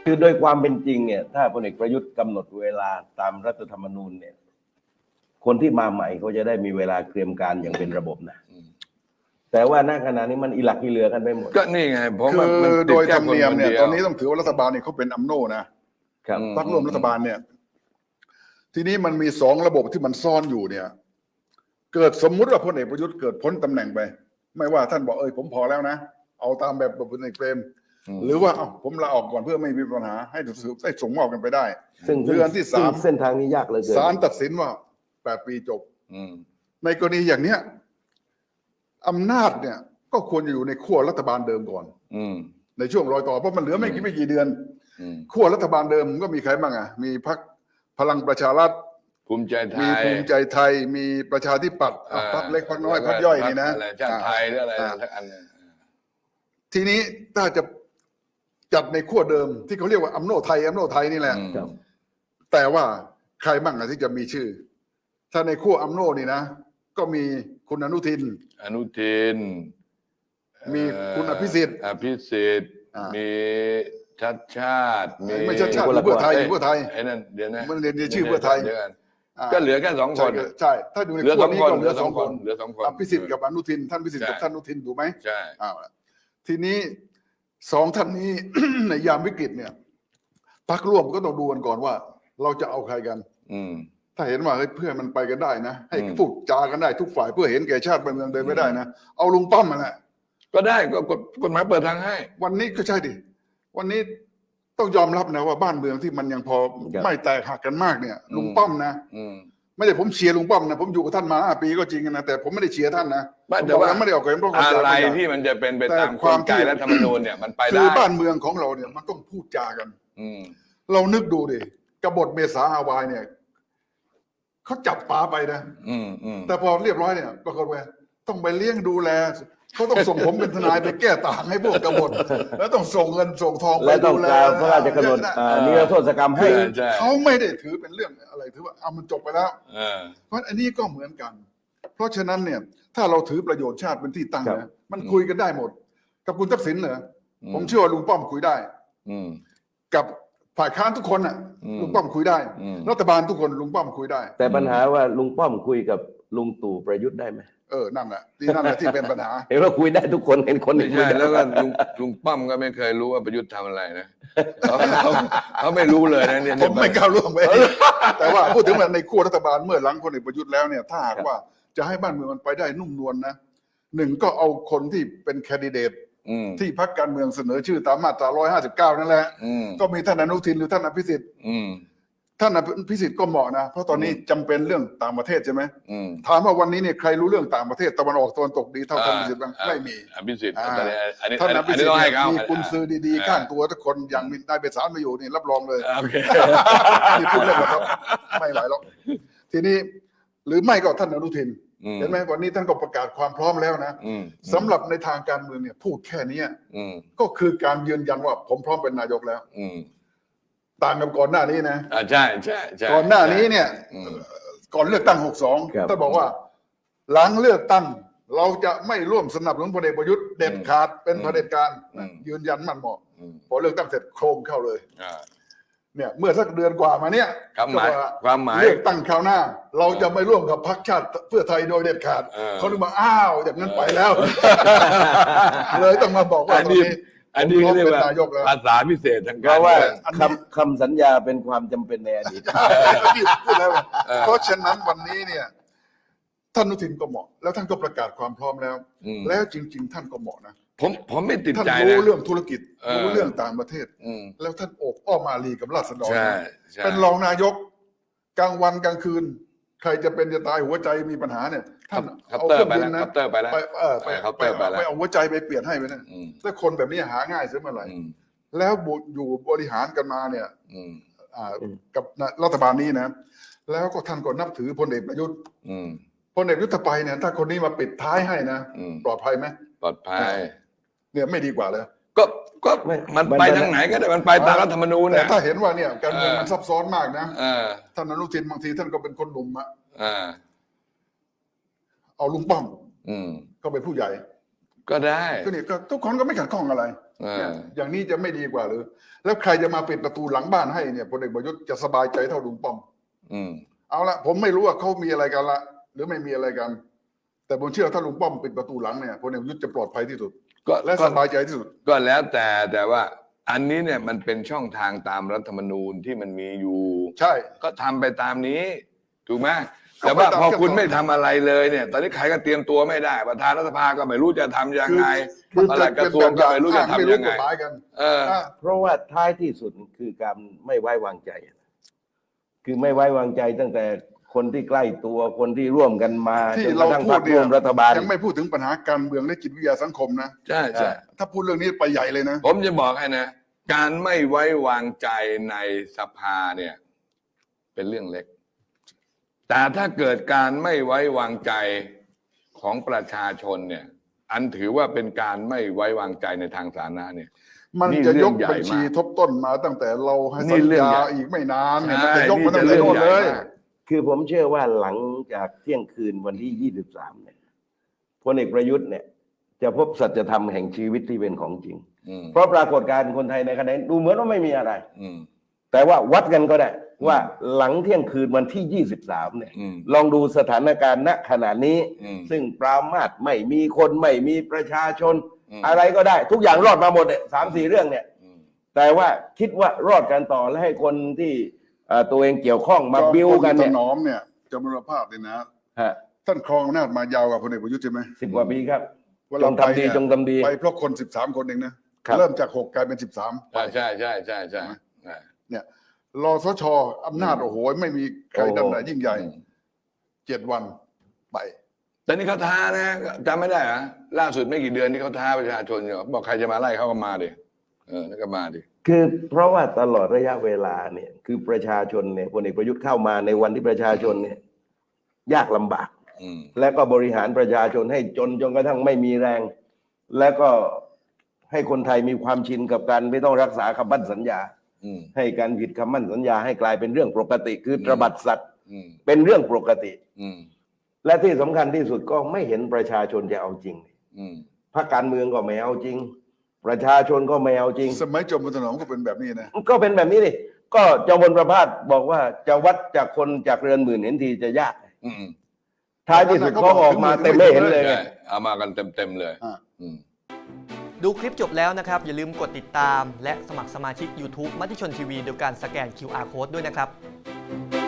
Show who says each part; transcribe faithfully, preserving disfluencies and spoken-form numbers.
Speaker 1: คือโดยความเป็นจริงเนี่ยถ้าพลเอกประยุทธ์กำหนดเวลาตามรัฐธรรมนูญเนี่ยคนที่มาใหม่เขาจะได้มีเวลาเตรียมการอย่างเป็นระบบนะแต่ว่าณขณะนี้มันอิหลักอิเหลือกันไปหมด
Speaker 2: ก็นี่ไงผม
Speaker 3: คือโดยธรรมเนียมเนี่ยตอนนี้ต้องถือว่ารัฐบาลเนี่ยเขาเป็นอัมโนนะครับพรรคร่วมรัฐบาลเนี่ยทีนี้มันมีสองระบบที่มันซ่อนอยู่เนี่ยเกิดสมมุติว่าพลเอกประยุทธ์เกิดพ้นตำแหน่งไปไม่ว่าท่านบอกเอ้ยผมพอแล้วนะเอาตามแบบพลเอกเปรมหรือว่าเอ้าผมลาออกก่อนเพื่อไม่มีปัญหาให้ได้ส่งมอบกันไปได้
Speaker 1: ซึ่ง
Speaker 3: เดือนที่สาม
Speaker 1: เส้นทางนี้ยากเลย
Speaker 3: ศาลตัดสินว่าแปดปีจบในกรณีอย่างเนี้ยอำนาจเนี่ยก็ควรจะอยู่ในขั้วรัฐบาลเดิมก่อนในช่วงรอยต่อเพราะมันเหลือไม่กี่ไม่กี่เดือนขั้วรัฐบาลเดิมก็มีใครบ้างอ่ะมีพรรคพลังประชารัฐ
Speaker 2: ภูมิใจไทย
Speaker 3: มีภูมิใจไทยมีประชาธิปัตย์พรรคเล็กพรรคน้อยพรรคย่อยนี่นะ
Speaker 2: ชาติไทยหรืออะไรสักอันนึง
Speaker 3: ทีนี้ถ้าจะจัดในขั้วเดิมที่เขาเรียกว่าอัมโนไทยอัมโนไทยนี่แหละแต่ว่าใครบ้างที่จะมีชื่อถ้าในขั้วอัมโนนี่นะก็มีคุณอนุทิน
Speaker 2: อนุทิน
Speaker 3: มีคุณอภิสิทธิ์
Speaker 2: อภิสิทธิ์มีชัดชาติ
Speaker 3: ไม่ชัดชาติเพื่อไทยเพื่อไทย
Speaker 2: ไอ้นั่นเดี๋ยวนะ
Speaker 3: มันเรียนชื่อเพื่อไทย
Speaker 2: ก็เหลือแค่สองคน
Speaker 3: ใช่ถ้าดูในขั้วนี้ก็เหลือสองคน
Speaker 2: เหลือสองคน
Speaker 3: อภิสิทธิ์กับอนุทินท่านอภิสิทธิ์กับท่านอนุทินถูกไหม
Speaker 2: ใช่
Speaker 3: อ้าวทีนี้สองท่านนี้ ในยามวิกฤตเนี่ยพรรคร่วมก็ต้องดูกันก่อนว่าเราจะเอาใครกันถ้าเห็นว่าเฮ้ยเพื่อนมันไปกันได้นะให้พูดจากันได้ทุกฝ่ายเพื่อเห็นแก่ชาติบ้านเมืองเดินไม่ได้นะเอาลุงป้อมมาแหละ
Speaker 2: ก็ได้ก็กฎหมายเปิดทางให้
Speaker 3: วันนี้ก็ใช่ดิวันนี้ต้องยอมรับนะว่าบ้านเมืองที่มันยังพอไม่แตกหักกันมากเนี่ยลุงป้อมนะไม่ได้ผมเชียร์ลุงป้อมนะผมอยู่กับท่านมาห้าปีก็จริงนะแต่ผมไม่ได้เชียร์ท่านนะ
Speaker 2: แต่ว่า
Speaker 3: ไม่ได้ออกความ
Speaker 2: เข้าใจอะไรที่มันจะเป็นไปตามกลไกรัฐธรรมนูญเนี่ยมันไปได้
Speaker 3: คือบ้านเมืองของเราเนี่ยมันต้องพูดจากันเรานึกดูดิกบฏเมษาฮาวายเนี่ยเขาจับป๋าไปนะแต่พอเรียบร้อยเนี่ยปรากฏว่าต้องไปเลี้ยงดูแลเขาต้องส่งผมเป็นทนายไปแก้ต่างให้พวกกบฏแล้วต้องส่งเงินส่งทองไปดูแล
Speaker 1: พระราชกำหนดนิรโทษกรรมให้
Speaker 3: เขาไม่ได้ถือเป็นเรื่องอะไรถือว่าเอามันจบไปแล้วเพราะอันนี้ก็เหมือนกันเพราะฉะนั้นเนี่ยถ้าเราถือประโยชน์ชาติเป็นที่ตั้งนะมันคุยกันได้หมดกับคุณทักษิณเหรอผมเชื่อว่าลุงป้อมคุยได้กับฝ่ายค้านทุกคนน่ะลุงป้อมคุยได้รัฐบาลทุกคนลุงป้อมคุยได้
Speaker 1: แต่ปัญหาว่าลุงป้อมคุยกับลุงตู่ประยุทธ์ได้ไหม
Speaker 3: เออนั่นแหละที่นั่นแหละที่เป็นปัญหา
Speaker 1: เห็นว่าคุยได้ทุกคนเห็นคน
Speaker 2: ไม่ใช่แล้วก็ลุงลุงป้อมก็ไม่เคยรู้ว่าประยุทธ์ทำอะไรนะเขาเขาไม่รู้เลยนะเนี่ย
Speaker 3: ผมไม่ก้าวล่วงไปแต่ว่าพูดถึงว่าในขั้วรัฐบาลเมื่อหลังพลเอกประยุทธ์แล้วเนี่ยถ้าหากว่าจะให้บ้านเมืองมันไปได้นุ่มนวลนะหนึ่งก็เอาคนที่เป็นแคนดิเดตที่พรรคการเมืองเสนอชื่อตามมาตราหนึ่งร้อยห้าสิบเก้านั่นแหละก็มีท่านอนุทินหรือท่านอภิสิทธิ์ท่านอภิสิทธิ์ก็เหมาะนะเพราะตอนนี้จำเป็นเรื่องต่างประเทศใช่ไหมถามว่าวันนี้เนี่ยใครรู้เรื่องต่างประเทศตะวันออกตะวันตกดีเท่าท่านอภิสิทธิ์บ้างไม่มี
Speaker 2: อภิสิทธิ์
Speaker 3: ท่านอภิสิทธิ์มีกุญซือดีๆข้างตัวทุกคนอย่างมีนายเบสารมาอยู่นี่รับรองเลยนี่พูดเล่นนะครับไม่ไหวหรอกทีนี้หรือไม่ก็ท่านอนุทินเห็นไหมวันนี้ท่านก็ประกาศความพร้อมแล้วนะสำหรับในทางการเมืองเนี่ยพูดแค่นี้ก็คือการยืนยันว่าผมพร้อมเป็นนายกแล้วต่างกับก่อนหน้านี้นะ
Speaker 2: อ่าใช่ใช่ใช่
Speaker 3: ก่อนหน้านี้เนี่ยก่อนเลือกตั้งหกสองท่านบอกว่าหลังเลือกตั้งเราจะไม่ร่วมสนับสนุนพลเอกประยุทธ์เด็ดขาดเป็นเผด็จการยืนยันมั่นเหมาะพอเลือกตั้งเสร็จโครมเข้าเลยเนี่ยเมื่อสักเดือนกว่ามาเนี่ย
Speaker 2: ความหมายความหมาย
Speaker 3: เลือกตั้งคราวหน้าเราจะไม่ร่วมกับพรรคชาติเพื่อไทยโดยเด็ดขาดเขาถึงมาอ้าวอย่างนั้นไปแล้วเลยต้องมาบอกว่าตอนนี้
Speaker 2: อันนี้เรียกว่าภาษาพิเศษทางการ
Speaker 1: เพราะว่าคำคำสัญญาเป็นความจำเป็นในอดีต
Speaker 3: พูดแล้วเพราะฉะนั้นวันนี้เนี่ยท่านอนุทินก็เหมาะแล้วท่านก็ประกาศความพร้อมแล้วแล้วจริงๆท่านก็เหมาะนะ
Speaker 2: ผมผมไม่ติดใจนะ
Speaker 3: ท่านรู้เรื่องธุรกิจรู้เรื่องต่างประเทศแล้วท่านโอบอ้อมอารีกับราษฎรเป็นรองนายกกลางวันกลางคืนใครจะเป็นจะตายหัวใจมีปัญหาเนี่ยท่าน
Speaker 2: เอาเครื่องบินนะไปแล้ว
Speaker 3: ไปเออไปไปไปเอาหัวใจไปเปลี่ยนให้ไปนะถ้าคนแบบนี้หาง่ายเสียเมื่อไหร่แล้วอยู่บริหารกันมาเนี่ยกับรัฐบาลนี้นะแล้วก็ท่านก็นับถือพลเอกประยุทธ์พลเอกประยุทธ์ไปเนี่ยถ้าคนนี้มาปิดท้ายให้นะปลอดภัยไหม
Speaker 2: ปลอดภัย
Speaker 3: เนี่ยไม่ดีกว่าเลย
Speaker 2: ก็ก็มันไปทางไหนก็ได้มันไปตามรัฐธรรมนูญ
Speaker 3: แต่ถ้าเห็นว่าเนี่ยการเมืองมันซับซ้อนมากนะท่านอนุทินบางทีท่านก็เป็นคนหนุ่มอะเอาลุงป้อมก็เป็นผู้ใหญ่
Speaker 2: ก็ได้
Speaker 3: ก็นี่ก็ทุกคนก็ไม่ขัดข้องอะไร
Speaker 2: อ่า
Speaker 3: อย่างนี้จะไม่ดีกว่าหรือ แล้วใครจะมาปิดประตูหลังบ้านให้เนี่ยพลเอกประยุทธ์จะสบายใจเท่าลุงป้อม
Speaker 2: อืม
Speaker 3: เอาละผมไม่รู้ว่าเขามีอะไรกันละหรือไม่มีอะไรกัน แต่ผมเชื่อถ้าลุงป้อมปิดประตูหลังเนี่ยพลเอกประยุทธ์จะปลอดภัยที่สุด
Speaker 2: ก็
Speaker 3: และ
Speaker 2: ก็
Speaker 3: สบายใจที่สุด
Speaker 2: ก็แล้วแต่แต่ว่า อันนี้เนี่ยมันเป็นช่องทางตามรัฐธรรมนูญที่มันมีอยู่
Speaker 3: ใช่
Speaker 2: ก็ทำไปตามนี้ ถูกไหมแต่ว่าพอคุณไม่ทำอะไรเลยเนี่ย ตอนนี้ใครก็เตรียมตัวไม่ได้ ประธานรัฐสภาก็ไม่รู้จะทำยังไง
Speaker 3: คือ
Speaker 2: ปลัดกระทรวงก็ไม่รู้จะทำยังไง
Speaker 3: ม่กฎหมายกัน
Speaker 2: เออ
Speaker 3: อ่ะ
Speaker 1: เพราะว่าท้ายที่สุดคือการไม่ไว้วางใจ คือไม่ไว้วางใจตั้งแต่คนที่ใกล้ตัวคนที่ร่วมกันมา
Speaker 3: ที่
Speaker 1: จนก
Speaker 3: เรา
Speaker 1: ระทั่ง
Speaker 3: พู
Speaker 1: พร
Speaker 3: ด
Speaker 1: รค
Speaker 3: เนี่
Speaker 1: ร่
Speaker 3: ยว
Speaker 1: มรัฐบาล
Speaker 3: ยังไม่พูดถึงปัญหาการเมืองและจิตวิทยาสังคมนะ
Speaker 2: ใช่ใช่
Speaker 3: ถ้าพูดเรื่องนี้ไปใหญ่เลยนะ
Speaker 2: ผมจะบอกให้นะ การไม่ไว้วางใจในสภาเนี่ย เป็นเรื่องเล็ก แต่ถ้าเกิดการไม่ไว้วางใจของประชาชนเนี่ย อันถือว่าเป็นการไม่ไว้วางใจในทางสาธารณะเนี่ย
Speaker 3: มัน
Speaker 2: นี่
Speaker 3: จะ
Speaker 2: เรื่
Speaker 3: ย
Speaker 2: อง
Speaker 3: ก
Speaker 2: ใหญ่
Speaker 3: บัญชี
Speaker 2: มาก
Speaker 3: ทบต้นมาตั้งแต่เราให้
Speaker 2: นี่
Speaker 3: สัญ
Speaker 2: เรื่อง
Speaker 3: ญา
Speaker 2: ใหญ่
Speaker 3: อีกไม่นานเนี่ย
Speaker 2: ใช่
Speaker 3: มันจะยกมาตั้ง
Speaker 2: นี่
Speaker 3: แต่
Speaker 2: จะ
Speaker 3: โน่นเลย
Speaker 2: เรื่องใหญ่มาก
Speaker 1: คือผมเชื่อว่าหลังจากเที่ยงคืนวันที่ยี่สิบสามเนี่ยพลเอกประยุทธ์เนี่ย จะพบสัจธรรมแห่งชีวิตที่เป็นของจริง
Speaker 2: อืม
Speaker 1: เพราะปรากฏการณ์คนไทยในขณะนี้ดูเหมือนว่าไม่มีอะไร
Speaker 2: อืม
Speaker 1: แต่ว่าวัดกันก็ได้ว่าหลังเที่ยงคืนวันที่ยี่สิบสามเนี่ย
Speaker 2: อืม
Speaker 1: ลองดูสถานการณ์ณขณะนี้
Speaker 2: อืม
Speaker 1: ซึ่งปรามาสไม่มีคนไม่มีประชาชน
Speaker 2: อืม
Speaker 1: อะไรก็ได้ ทุกอย่างรอดมาหมดเนี่ยสามสี่เรื่องเนี่ย
Speaker 2: อืม
Speaker 1: แต่ว่าคิดว่ารอดกันต่อและให้คนที่เอ่อตัวเองเกี่ยวข้องมาบิ้วกัน
Speaker 3: ถ
Speaker 1: เนี่ย
Speaker 3: นอมเนี่ยจำนวนภาพเนี่ยนะ
Speaker 1: ฮะ
Speaker 3: ท่านครองอำนาจมายาวกับพลเอกประยุทธ์ใช่ไหม
Speaker 1: สิบกว่าปีครับ
Speaker 3: ว่า
Speaker 1: จ
Speaker 3: เรา
Speaker 1: ง
Speaker 3: ไป
Speaker 1: ทำดี
Speaker 3: เนี่ย
Speaker 1: จงทำดี
Speaker 3: ไปเพราะคนสิบสามคนเองนะครับ เริ่มจากหกกลายเป็นสิบสาม
Speaker 2: ใช่ใช่ใช่ใช่ใช่ใช่
Speaker 3: เนี่ยรอสชอำนาจโอ้โหไม่มีใครดันไหนยิ่งใหญ่
Speaker 2: อืม
Speaker 3: เจ็ดวันไป
Speaker 2: แต่นี่เขาท้านะจำไม่ได้เหรอล่าสุดไม่กี่เดือนที่เขาท้าประชาชนอยู่บอกใครจะมาไล่เขาก็มาดิเออนั่นก็มาดิ
Speaker 1: คือเพราะว่าตลอดระยะเวลาเนี่ยคือประชาชนเนี่ยพลเอกประยุทธ์เข้ามาในวันที่ประชาชนเนี่ยยากลำบาก
Speaker 2: อืม
Speaker 1: และก็บริหารประชาชนให้จนจนกระทั่งไม่มีแรง และก็ให้คนไทยมีความชินกับการไม่ต้องรักษาคำมั่นสัญญา
Speaker 2: อืม
Speaker 1: ให้การผิดคำมั่นสัญญาให้กลายเป็นเรื่องปกติ คือตระบัดสัตว์
Speaker 2: อืม
Speaker 1: เป็นเรื่องปกติ
Speaker 2: อืม
Speaker 1: และที่สำคัญที่สุดก็ไม่เห็นประชาชนจะเอาจริง
Speaker 2: อืม
Speaker 1: พรรคการเมืองก็ไม่เอาจริง ประชาชนก็ไม่เอาจริง
Speaker 3: สมัยจอมพลถนอมก็เป็นแบบนี้นะ
Speaker 1: ก็เป็นแบบนี้ดิก็จอมพลประภาสบอกว่าจะวัดจากคนจากเรือนหมื่นเห็นทีจะยาก
Speaker 2: อืม
Speaker 1: ท้ายที่สุดเขาออกมาเต็มไม่เห็นเลยไง
Speaker 2: ใช่เอามากันเต็มเต็มๆเลย
Speaker 3: อ่า
Speaker 2: อืม
Speaker 4: ดูคลิปจบแล้วนะครับ อย่าลืมกดติดตามและสมัครสมาชิก YouTube มติชนทีวีโดยการสแกน คิว อาร์ Code ด้วยนะครับ